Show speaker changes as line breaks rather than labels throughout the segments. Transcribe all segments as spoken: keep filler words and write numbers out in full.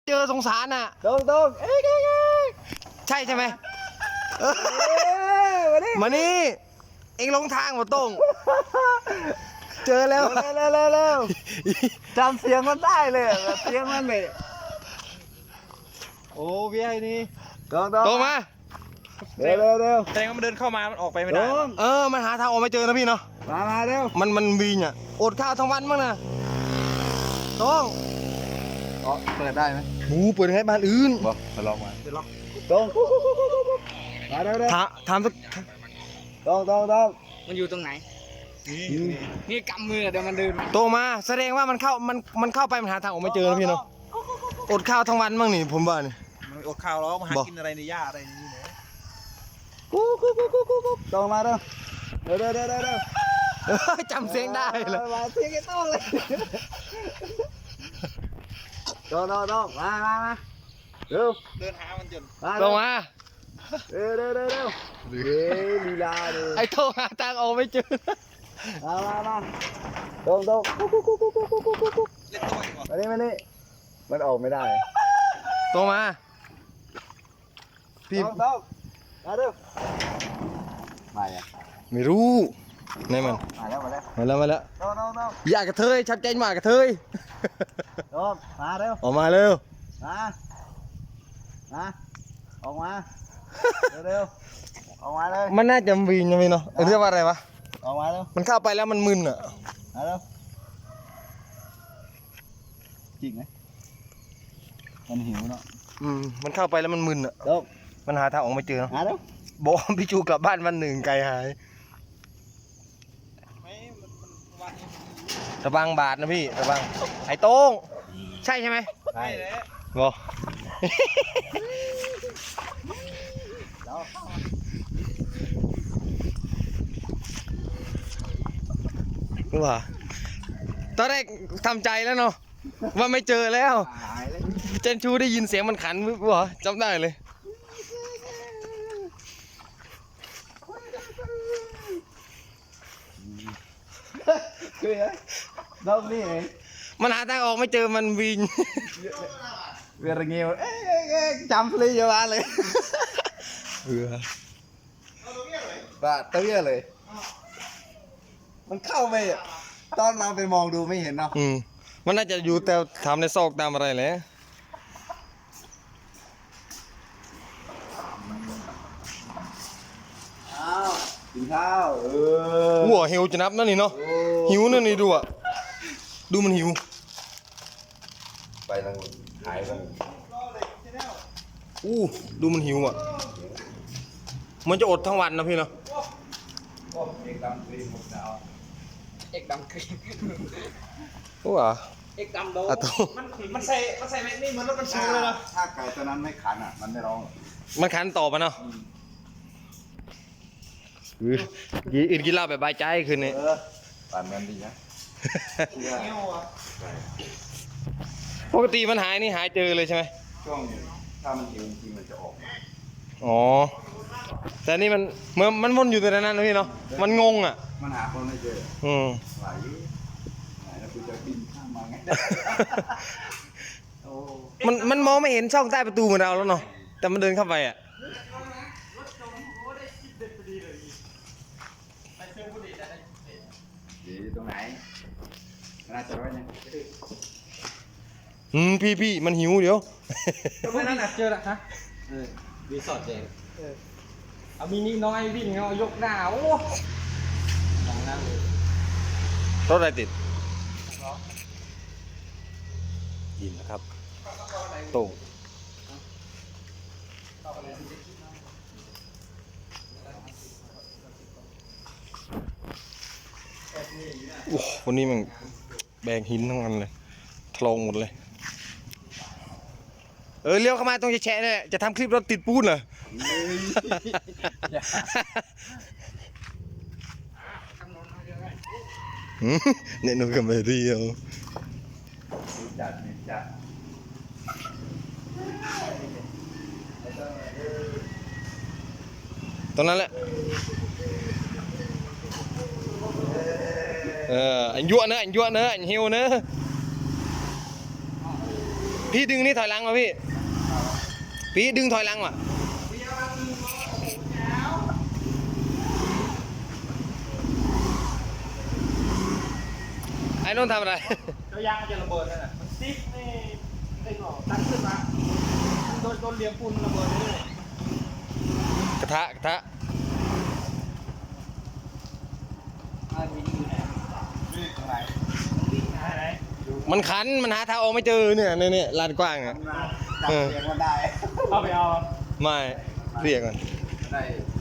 เจอสงสารน่ะ
ตรงตรงเอ๊ะเอ๊ะเอ๊ะ
ใช่ใช่ไหม
เอ๊ะมานี่
มานี่เอ็งลงทางมาตรงเจอแล้ว
เร็วเร็วเร็วเร็วจำเสียงมันได้เลยเสียงมันเลยโอ้พี่ไอ้นี่ตรงตรง
ตรงมา
เร็วเร็วเร็ว
แสดงว่ามันเดินเข้ามา มันออกไปไม่
ตร
ได้
ง
เออมันหาทางออกไม่เจอนะพี่เนาะ
มามาเร็ว
มันมันวีนอ่ะอดข้าวทั้งวันมั้งนะตรง
อ๋อเปิดได้ไหม
หมูเปิดให้บ้านอื่น
บอกมาลองมาตรงมาเร็วเร็ว
ถามถามสัก
ตรงตรงตรง
มันอยู่ตรงไหน นี่กำมือเดี๋ยวมันเดินมา
ตรงมาแสดงว่ามันเข้ามันมันเข้าไปมันหาทางออกไม่เจอนะพี่เนาะอดข้าวทั้งวันมั้งนี่ผมว่านี่
มันอดข้าวแล้วมาหา
บอก
กินอะไรในหญ้าอะไรอย่างนี้เนี่ย
กูกูกูกูกูกูตรงมาเร็วเร็วเร็วเร็วเร็วเร็ว
เออจำเสียงได้เลย
มาเสียงไอ้ต้องเลยตรงตรงตรงมามามาเร็ว
เดินหามันจน
มา
ตรงมา
เร็วเร็วเร็วเร็วเฮ้ยลีลาเลย
ไอ้โทรหาทางออกไม่เจอ
มามามาตรงตรงกูกูกูกูกูกูกูกูกู
เล่นตัวอีกว่ะ
มานี่มานี่มันออกไม่ได้
ตรงมาพี่
ตรงตรงมาเร็วมาอ่ะ
ไม่รู้นี่มัน
มาแล้วมาแล้ว
มาแล้วมาแล้ว
ตรงตรงตรง
อยากกระเทยชัดเจนมากกระเทย
ตรงมาเร็ว
ออกมาเร็ว
มามาออกมาเร็วเร็วออกมาเลย
มันน่าจะวีนยังไงเนาะเออเรียกว่าอะไรวะ
ออกมาเร็ว
มันเข้าไปแล้วมันมึนอ่ะ
มาเร็วจริงไหมมันหิวเนาะ
อืมมันเข้าไปแล้วมันมึนอ่ะ
ตรง
มันหาทางออกไม่เจอเนอะ
มาเร็ว
บอกว่าพี่ชูกลับบ้านวันหนึ่งไกลหาย
ไม่มันมันวันนี้
ระวังบาทนะพี่ระวังไอ้โต้งใช่ใช่ไหม
ใช่แล้ว
บอก
แล้ว
ว่าตอนแรกทำใจแล้วเนาะว่าไม่เจอแล้ว
หายเลย
เจนชูได้ยินเสียงมันขันวะจำได้เลย
คือไงดอกนี่เอง
มันหาทางออกไม่เจอมันวิน
เวียร์เงี้ยวเอ๊ะเอ๊ะเอ๊ะจำฟรีอยู่บ้านเลย
เออ
บ้าเตี้ยเลย มันเข้าไปอ่ะตอนเราไปมองดูไม่เห็นเนาะ
อืมมันน่าจะอยู่แต่ทำในซอกตามอะไรแหละ
อ้าวกินข้าวเออ
หัวหิวจะนับนั่นนี่เนาะ
โอ้
หิวนั่นนี่ดูอ่ะดูมันหิว
ไปทางหายไป
อู้ดูมันหิวอ่ะมันจะอดทั้งวันนะพี่เนาะ
โอ้เอกดำฟรีหมดแล้ว
เอกดำกรีน
ว้า
เอกดำโด
อะโต
มันมันใส่มันใส่แม็กนี่เหมือนรถบรรทุกเลยนะ
ถ้าไก่ตัวนั้นไม่ขันอ่ะ มันไม่ร้อง
มันขันต่อมาเนาะอืออื่นกินเหล้าแบบบายใจคืนนี้
เออปั่นมันดีนะ
เงี้ยวอ่ะ
ปกติมันหายนี่หายเจอเลยใช่ไหม
ช่วงถ้ามันหิวจริงๆมันจะออก
อ๋อแต่นี่มันเมื่อมันวนอยู่แต่นั้นนะพี่เนาะมันงงอ่ะ
มันหาคนไม่เจอ
อืม
ไหวไหนแล้วกูจะบินข้ามมาไงโอ้
มันมันมองไม่เห็นช่องใต้ประตูเหมือนเราแล้วเนาะแต่มันเดินเข้าไปอ่ะ
ดีตรงไหนน่าจะไว้เนี่ย
อืมพี่พี่มันหิวเดี๋ยว
ทำไมนั่นน่ะเจอละฮะเออรีสอร์ทเจงเอามินิน้อยวิ่งเอายกหน้าโอ้มองหน้าเลย
รถอะไรติดยินนะครับโต่งโอ้วันนี้มันแบกหินทั้งวันเลยทลงหมดเลยเออเลี้ยวเข้ามาตรงแฉะเนี่ยจะทำคลิปรถติดปูนเหรอ เนี่ยหนูกับไม่เรียว
จัดนี่จัด
ตรงนั้นแหละเอออันยั่วเนอะอันยั่วเนอะอันหิวเนอะพี่ดึงนี่ถอยหลังมาพี่พี่ดึงถอยหลังว่ะไอ้นนท์ทำอะไร
เจ้ายางมันจะระเบิดนั่นน่ะมันซิปนี่ไอ้หนอตั้งขึ้นมาโดนโดนเหลี่ยมปูนระเบิดเลย
กระทะกระทะ
อ่ามีนี่อยู่ไหนนี่ตรงไหนไหน
มันคันมันหาทางออกไม่เจอเนี่ยเนี่ยเนี่ยลานกว้างอ่ะ
จับเสียงมันได้
เอาไปเอา
ไม่เรียกก่อน
ได้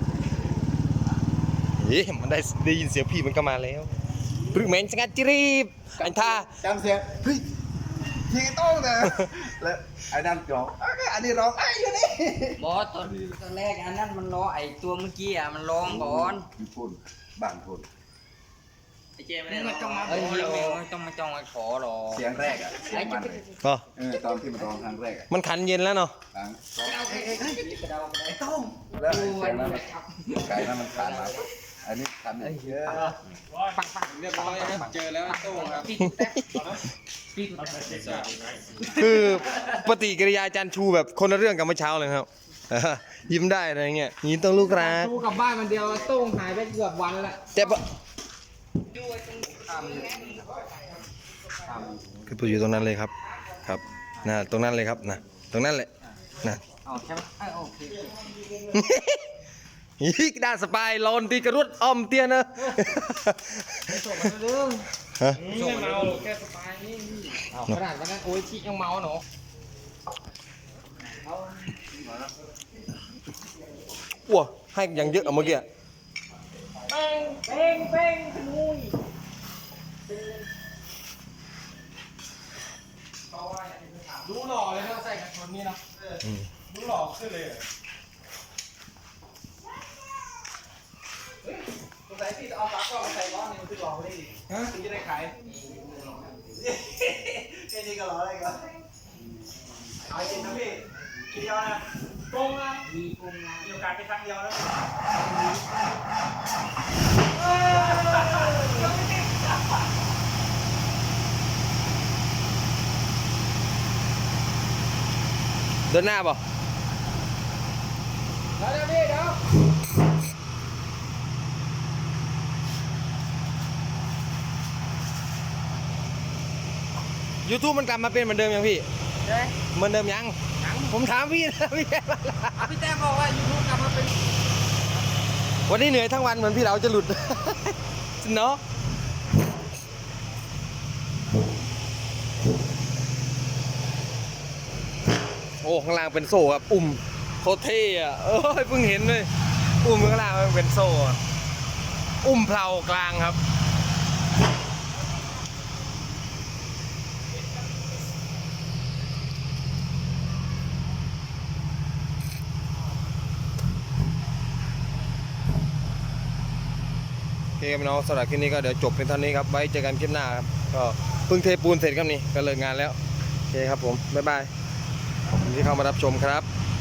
เอ๊ะมันได้ได้ยินเสียงพี่มันก็มาแล้วปรึกเหม็นสงัดจิรีบอันท่า
จำเสียงเฮ้ยทีต้องเลยแล้วไอ้นั่นร้องเอ้ยอันนี้ร้องไอ้อยู่นี่
บอสตอนตอนแรกอันนั้นมันร้องไอตัวเมื่อกี้อ่ะมันร้องก่อน
อยู่พุ่นบ้านพุ่น
ไอ้เจไม่ได้มาจ้องมา
เอ้ยไม่ต้องมาจ้องมาขอหรอก
เสียงแรกอ่ะเสียงมันเลย
ก็
เออตอนที่มันร้องครั้งแรกอ่ะ
มันขันเย็นแล้วเนาะ
ครั้ง
กระเดากระเดา
ไอ้ต้องแล้วไอ้เสียงนั้นมันไก่นั้นมันขาดมาอันนี้ทำอย่างเยอะ
ปักปัก
เรียบร้อยครับเจอแล้วโต้งครับ
ปิดแป๊บปิด
คือปฏิกิริยาอาจารย์ชูแบบคนละเรื่องกับเมื่อเช้าเลยครับ เออยิ้มได้อะไรเงี้ยยิ้มต้องลูกรัก
ดูกับบ้านมันเดียวโต้งหายไปเกือบวันแล้ว
แต่ปะคือตัวอยู่ตรงนั้นเลยครับ ครับนะตรงนั้นเลยครับนะตรงนั้นแหละนะ
เอาใช่ไหมเออโอเค
อีกด้านสปายโลนตีกระรุดอ้อมเตี้ยนะ
ส่งมาเรื่อง
ฮะ
ส่งมาเอาแค่สปายนี่ขนาดวันนั้นโอ้ยชิยังเมาหนู
ว้าให้อย่างเยอะอะเมื่อกี้
เป้งเป้งเป้งขนุยดูหล่อเลยถ้าใส่กันชนนี่เนาะดูหล่อขึ้นเลยสงสัยที่จะเอาปลั๊กก็มาใส่ร้อนนี่มันคือหล่อไม่ได้ดิฮะถึงจะได้ขายแค่นี้ก็หล่ออะไรกันเอาจริงนะพี่ทีเดียวนะตรงนะ
มีปุ่มนะ
มีโอกาสไปครั้งเดียวนะ
เดินหน้าป่ะ
เดี๋ยวพี่เดี๋ยว
ยูทูบมันกลับมาเป็นเหมือนเดิมยังพี่
ใช่ไหม
เหมือนเดิมยังผมถามพี่นะพี่แกมาละ
พี่แต้มบอกว่ายูทูบกลับมาเป็น
วันนี้เหนื่อยทั้งวันเหมือนพี่เราจะหลุด เนาะโอ้ข้างล่างเป็นโซ่ครับอุ่มโคตรเท่อะเอ้ยเพิ่งเห็นเลยอุ่มข้างล่างมันเป็นโซ่อะอุ่มเพลากลางครับโอเคครับพี่น้องสำหรับคลิปนี้ก็เดี๋ยวจบเป็นเท่านี้ครับไว้เจอกันคลิปหน้าครับก็เพิ่งเทปูนเสร็จครับนี่ก็เลิกงานแล้วโอเคครับผมบ๊ายบายขอบคุณที่เข้ามารับชมครับ